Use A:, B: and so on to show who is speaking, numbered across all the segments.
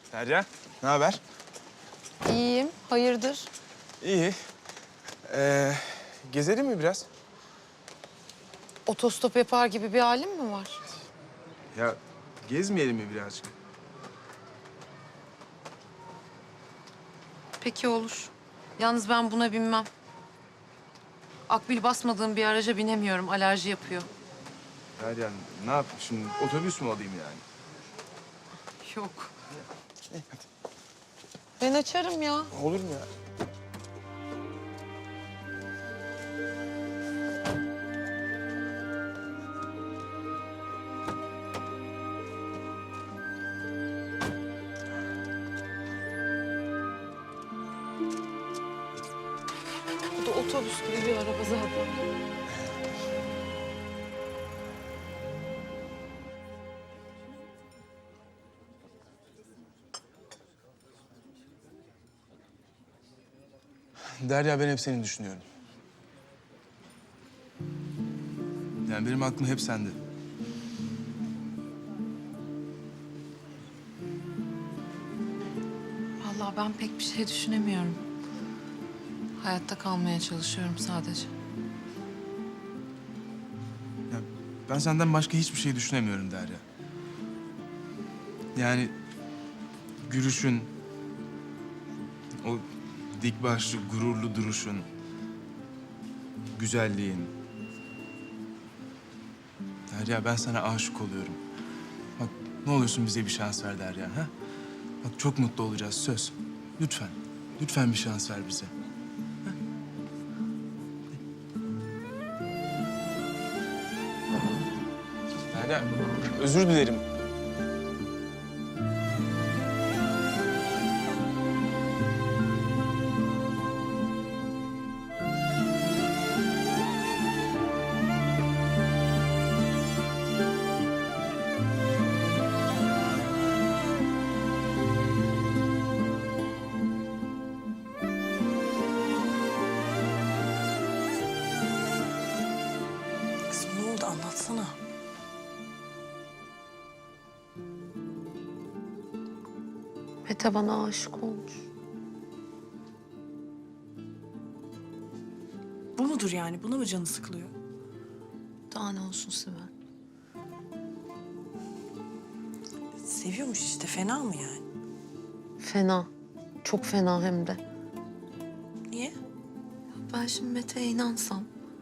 A: Derya, ne haber?
B: İyiyim. Hayırdır?
A: İyi. Gezelim mi biraz?
B: Otostop yapar gibi bir halin mi var?
A: Ya gezmeyelim mi birazcık?
B: Peki olur. Yalnız ben buna binmem. Akbil basmadığım bir araca binemiyorum. Alerji yapıyor.
A: Derya, ne yapayım şimdi? Otobüs mü alayım yani?
B: Yok. Ben açarım ya.
A: Olur mu ya?
B: Bu da otobüs gibi bir araba zaten.
A: Derya, ben hep seni düşünüyorum. Yani benim aklım hep sende.
B: Vallahi ben pek bir şey düşünemiyorum. Hayatta kalmaya çalışıyorum sadece.
A: Ya ben senden başka hiçbir şey düşünemiyorum Derya. Yani gülüşün, o dik başlı, gururlu duruşun, güzelliğin. Derya, ben sana aşık oluyorum. Bak, ne olursun bize bir şans ver Derya, ha? Bak, çok mutlu olacağız, söz. Lütfen, lütfen bir şans ver bize. Ha? Derya, özür dilerim.
C: Kızım ne oldu anlatsana.
B: Mete bana aşık olmuş.
C: Bu mudur yani? Buna mı canı sıkılıyor?
B: Daha ne olsun Sibel?
C: Seviyormuş işte. Fena mı yani?
B: Fena. Çok fena hem de.
C: Niye?
B: Ben şimdi Mete'ye inansam,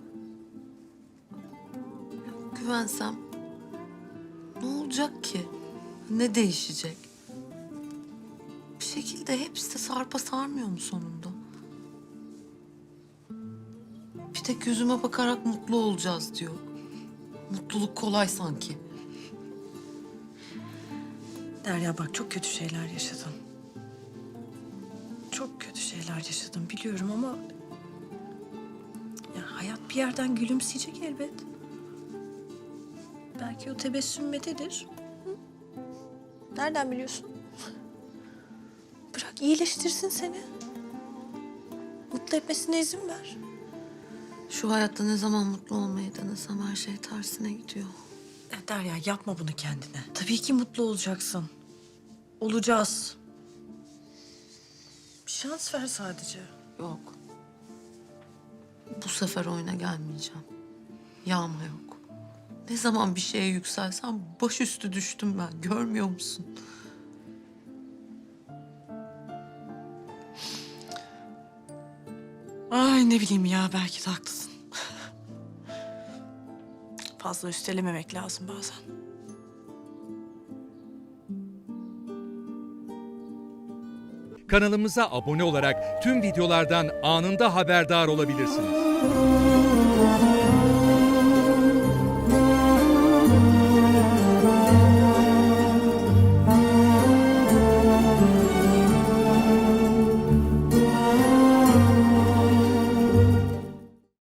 B: güvensem ne olacak ki? Ne değişecek? Bir şekilde hepsi de sarpa sarmıyor mu sonunda? Bir tek yüzüme bakarak mutlu olacağız diyor. Mutluluk kolay sanki.
C: Derya bak çok kötü şeyler yaşadın. Çok kötü şeyler yaşadın biliyorum ama... Ya hayat bir yerden gülümseyecek elbet. Belki o tebessüm Mete'dir. Hı? Nereden biliyorsun? Bırak iyileştirsin seni. Mutlu etmesine izin ver.
B: Şu hayatta ne zaman mutlu olmayı denesem her şey tersine gidiyor.
C: Ya Derya yapma bunu kendine. Tabii ki mutlu olacaksın. Olacağız. Bir şans ver sadece.
B: Yok. Bu sefer oyuna gelmeyeceğim. Yağma yok. Ne zaman bir şeye yükselsem başüstü düştüm ben. Görmüyor musun?
C: Ay ne bileyim ya belki de haklısın. Fazla üstelememek lazım bazen.
D: Kanalımıza abone olarak tüm videolardan anında haberdar olabilirsiniz.